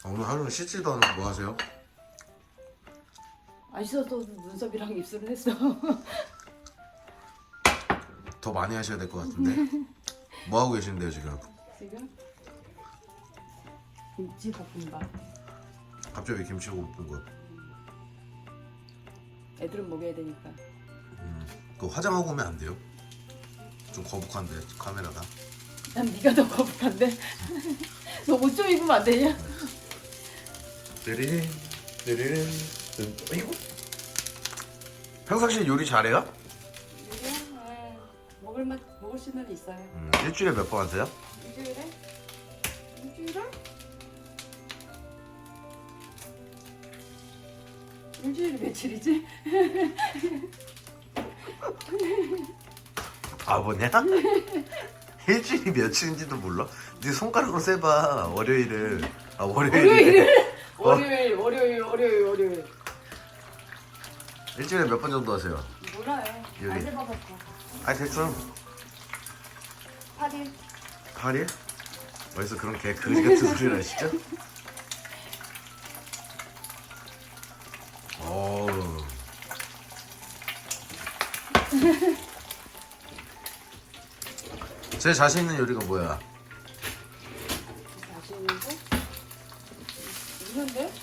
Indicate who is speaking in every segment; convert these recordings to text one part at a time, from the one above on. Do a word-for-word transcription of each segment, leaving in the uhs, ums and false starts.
Speaker 1: 아, 오늘 하루는 씻지도 않고 뭐 하세요?
Speaker 2: 안 씻어도 눈썹이랑 입술은 했어.
Speaker 1: 더 많이 하셔야 될 것 같은데. 뭐 하고 계신데요 지금?
Speaker 2: 지금 김치 볶음밥.
Speaker 1: 갑자기 김치 볶은 거.
Speaker 2: 애들은 먹여야 되니까.
Speaker 1: 음, 그 화장하고 오면 안 돼요? 좀 거북한데 카메라가.
Speaker 2: 난 네가 더 거북한데. 너 옷 좀 입으면 안 되냐?
Speaker 1: 르리린 르리린. 이거? 평상시에 요리 잘해요?
Speaker 2: 네. 먹을 맛 먹을 수는 있어요.
Speaker 1: 음, 일주일에 몇 번 하세요?
Speaker 2: 일주일에? 일주일에? 일주일에 며칠이지?
Speaker 1: 바보냐? 일주일이 며칠인지도 몰라? 네 손가락으로 세봐. 월요일을. 아 월요일을.
Speaker 2: 월요일을?
Speaker 1: 어?
Speaker 2: 월요일, 월요일, 월요일, 월요일.
Speaker 1: 일주일에 몇 번 정도 하세요?
Speaker 2: 몰라요.
Speaker 1: 요리.
Speaker 2: 안 해봐봤어.
Speaker 1: 아 대충
Speaker 2: 팔 일.
Speaker 1: 팔 일? 어디서 그런 개 그지 같은 소리를 하시죠? 어우. 제 자신 있는 요리가 뭐야?
Speaker 2: 자신 있는데? 있는데?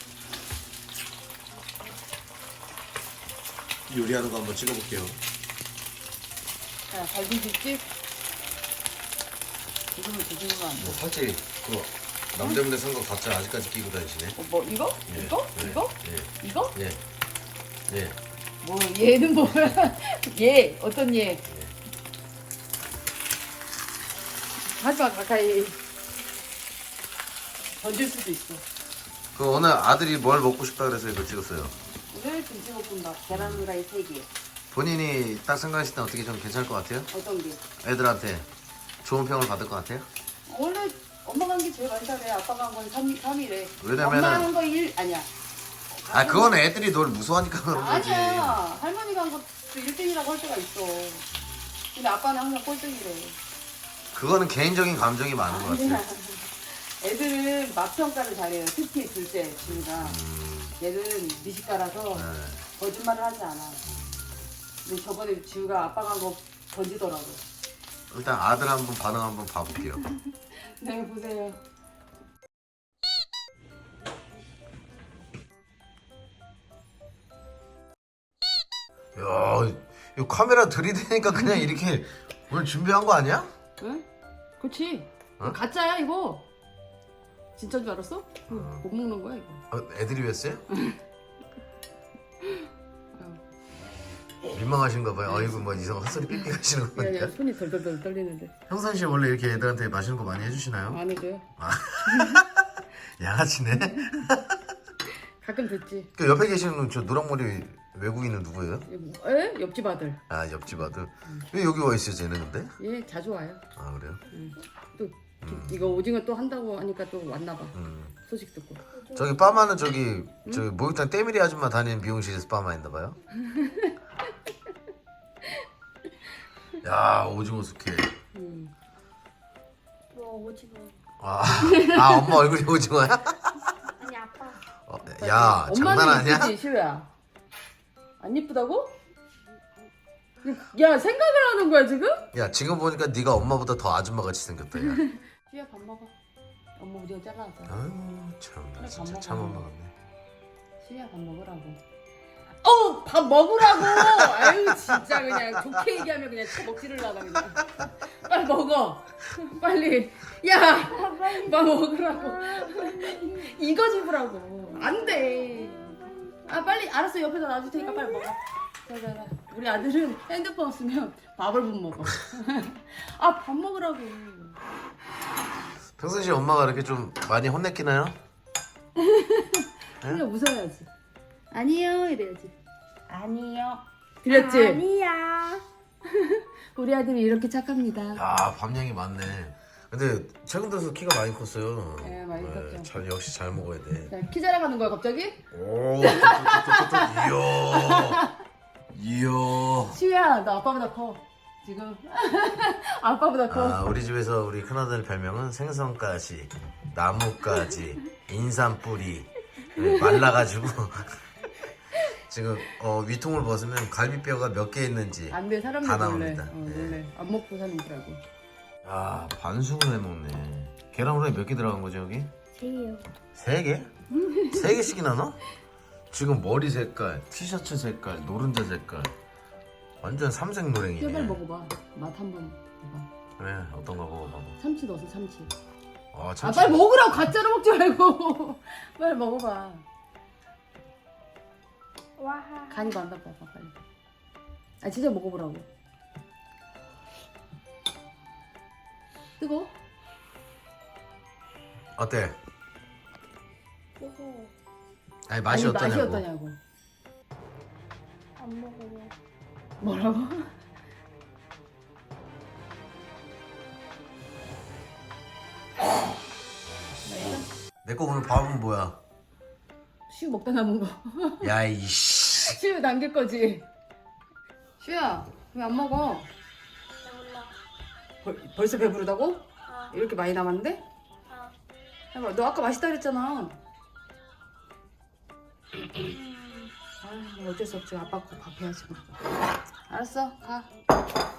Speaker 1: 요리하는 거 한번 찍어볼게요.
Speaker 2: 자, 갈비집집. 지금은 뒤집으면 안 돼.
Speaker 1: 뭐 살찌 그 남대문에 산 거 가짜 아직까지 끼고 다니시네.
Speaker 2: 어, 뭐 이거?
Speaker 1: 예,
Speaker 2: 이거?
Speaker 1: 예,
Speaker 2: 이거?
Speaker 1: 예,
Speaker 2: 이거?
Speaker 1: 예, 예.
Speaker 2: 뭐 얘는 뭐야? 얘 어떤 얘? 하지마 가까이. 던질 수도 있어.
Speaker 1: 그 오늘 아들이 뭘 먹고 싶다 그래서 이거 찍었어요.
Speaker 2: 오늘 김치볶음밥 계란 후라이 세 개.
Speaker 1: 본인이 딱 생각하실 때 어떻게 좀 괜찮을 것 같아요?
Speaker 2: 어떤 게?
Speaker 1: 애들한테 좋은 평을 받을 것 같아요?
Speaker 2: 원래 엄마가 한 게 제일 많이 잘해. 아빠가 한 건 삼 일에.
Speaker 1: 왜냐면은-
Speaker 2: 엄마가 한 거 일 아니야.
Speaker 1: 아 그건 애들이 널 무서워하니까 그런 거지.
Speaker 2: 아니야. 할머니가 한 것도 일 등이라고 할 때가 있어. 근데 아빠는 항상 꼴등이래.
Speaker 1: 그거는 개인적인 감정이 많은 것
Speaker 2: 아니야.
Speaker 1: 같아요.
Speaker 2: 애들은 맛평가를 잘해요. 특히 둘째 지우가.
Speaker 1: 음,
Speaker 2: 얘는 미식가라서
Speaker 1: 네.
Speaker 2: 거짓말을 하지 않아. 근데 저번에 지우가 아빠가 한 거 던지더라고.
Speaker 1: 일단 아들 한번 반응 한번 봐볼게요.
Speaker 2: 네, 보세요.
Speaker 1: 야, 이 카메라 들이대니까 그냥 이렇게 오늘 준비한 거 아니야?
Speaker 2: 응? 그렇지.
Speaker 1: 어?
Speaker 2: 가짜야 이거. 진짜인 줄 알았어? 이거 못 먹는 거야 이거.
Speaker 1: 어, 애들이 했어요?
Speaker 2: 아유.
Speaker 1: 민망하신가 봐요. 아이고 뭐 이상한 헛소리 삑삑 하시는 거
Speaker 2: 야, 야,
Speaker 1: 보니까.
Speaker 2: 손이 덜덜덜 떨리는데.
Speaker 1: 평상시에 원래 이렇게 애들한테 맛있는 거 많이 해주시나요?
Speaker 2: 안 해줘요?
Speaker 1: 양아치네.
Speaker 2: 가끔 듣지.
Speaker 1: 그 옆에 계시는 저 노랑머리 외국인은 누구예요?
Speaker 2: 에? 옆집 아들.
Speaker 1: 아 옆집 아들. 왜 여기 와 있어요 쟤는 근데?
Speaker 2: 얘 자주 와요.
Speaker 1: 아 그래요?
Speaker 2: 응. 또 기- 이거 오징어 또 한다고 하니까 또 왔나 봐.
Speaker 1: 음.
Speaker 2: 소식 듣고.
Speaker 1: 저기 빠마는 저기 저기 목욕탕 때밀이 아줌마 다니는 미용실에서 빠마인가 봐요. 야 오징어 숙회.
Speaker 2: 음.
Speaker 3: 뭐 오징어.
Speaker 1: 아, 아 엄마 얼굴이 오징어야?
Speaker 3: 아니 아빠.
Speaker 1: 어, 야 장난
Speaker 2: 엄마는
Speaker 1: 아니야?
Speaker 2: 이쁘지 시우야. 안 이쁘다고? 야 생각을 하는 거야 지금?
Speaker 1: 야 지금 보니까 네가 엄마보다 더 아줌마 같이 생겼다. 야.
Speaker 2: 시우야 밥 먹어. 엄마 오징어 잘라놨어.
Speaker 1: 아유 참나
Speaker 2: 그래,
Speaker 1: 진짜
Speaker 2: 밥
Speaker 1: 참
Speaker 2: 먹어.
Speaker 1: 엄마 같네.
Speaker 2: 시우야 밥 먹으라고. 어! 밥 먹으라고! 아유 진짜 그냥 좋게 얘기하면 그냥 쳐 먹지를 않아 그냥. 빨리 먹어. 빨리. 야! 밥 먹으라고. 이거 집으라고. 안 돼. 아 빨리 알았어 옆에서 놔줄 테니까 빨리 먹어. 자자자. 우리 아들은 핸드폰 없으면 밥을 못 먹어. 아 밥 먹으라고.
Speaker 1: 평상시에 엄마가 이렇게 좀 많이 혼냈기나요?
Speaker 2: 그냥 웃어야지. 아니요 이래야지. 아니요. 들렸지?
Speaker 3: 아니야.
Speaker 2: 우리 아들이 이렇게 착합니다.
Speaker 1: 야 밥량이 많네. 근데 최근 들어서 키가 많이 컸어요.
Speaker 2: 네, 많이 컸죠.
Speaker 1: 잘, 역시 잘 먹어야 돼.
Speaker 2: 자, 키 자랑하는 거야 갑자기?
Speaker 1: 오, 이야, 이야.
Speaker 2: 시우야 너 아빠보다 커 지금. 아빠보다 커.
Speaker 1: 아, 우리 집에서 우리 큰아들 별명은 생선가지, 나뭇가지, 인삼 뿌리 말라가지고 지금 어, 위통을 벗으면 갈비뼈가 몇 개 있는지
Speaker 2: 안돼 사람들
Speaker 1: 다
Speaker 2: 놀래.
Speaker 1: 나옵니다.
Speaker 2: 어,
Speaker 1: 예.
Speaker 2: 놀래. 안 먹고 사는 거라고.
Speaker 1: 야 반숙을 해먹네. 계란 후라이 몇 개 들어간 거지 여기?
Speaker 3: 제이요.
Speaker 1: 세 개? 세 개씩이나 넣어? 지금 머리 색깔, 티셔츠 색깔, 노른자 색깔 완전 삼색 노랭이네.
Speaker 2: 제발 먹어봐. 맛 한번 봐봐.
Speaker 1: 그래 어떤 거 먹어봐봐.
Speaker 2: 참치 넣어서 참치.
Speaker 1: 아,
Speaker 2: 아
Speaker 1: 참치.
Speaker 2: 빨리 먹으라고 가짜로 먹지 말고. 빨리 먹어봐.
Speaker 3: 와.
Speaker 2: 간이 많다 봐봐 빨리. 아 진짜 먹어보라고. 뜨거?
Speaker 1: 어때?
Speaker 3: 이거
Speaker 1: 아니 맛이
Speaker 2: 아니,
Speaker 1: 어떠냐고.
Speaker 2: 맛이 어떠냐고.
Speaker 3: 안 먹어요.
Speaker 2: 뭐라고?
Speaker 1: 내 거 오늘 밥은 뭐야?
Speaker 2: 슈 먹다 남은 거.
Speaker 1: 야 이씨.
Speaker 2: 슈 남길 거지. 슈야 왜 안 먹어?
Speaker 3: 배불러.
Speaker 2: 벌, 벌써 배부르다고?
Speaker 3: 아.
Speaker 2: 이렇게 많이 남았는데?
Speaker 3: 아.
Speaker 2: 해봐. 너 아까 맛있다 그랬잖아. 아, 뭐 어쩔 수 없지. 아빠 거 밥 해야지. 뭐. 알았어, 가.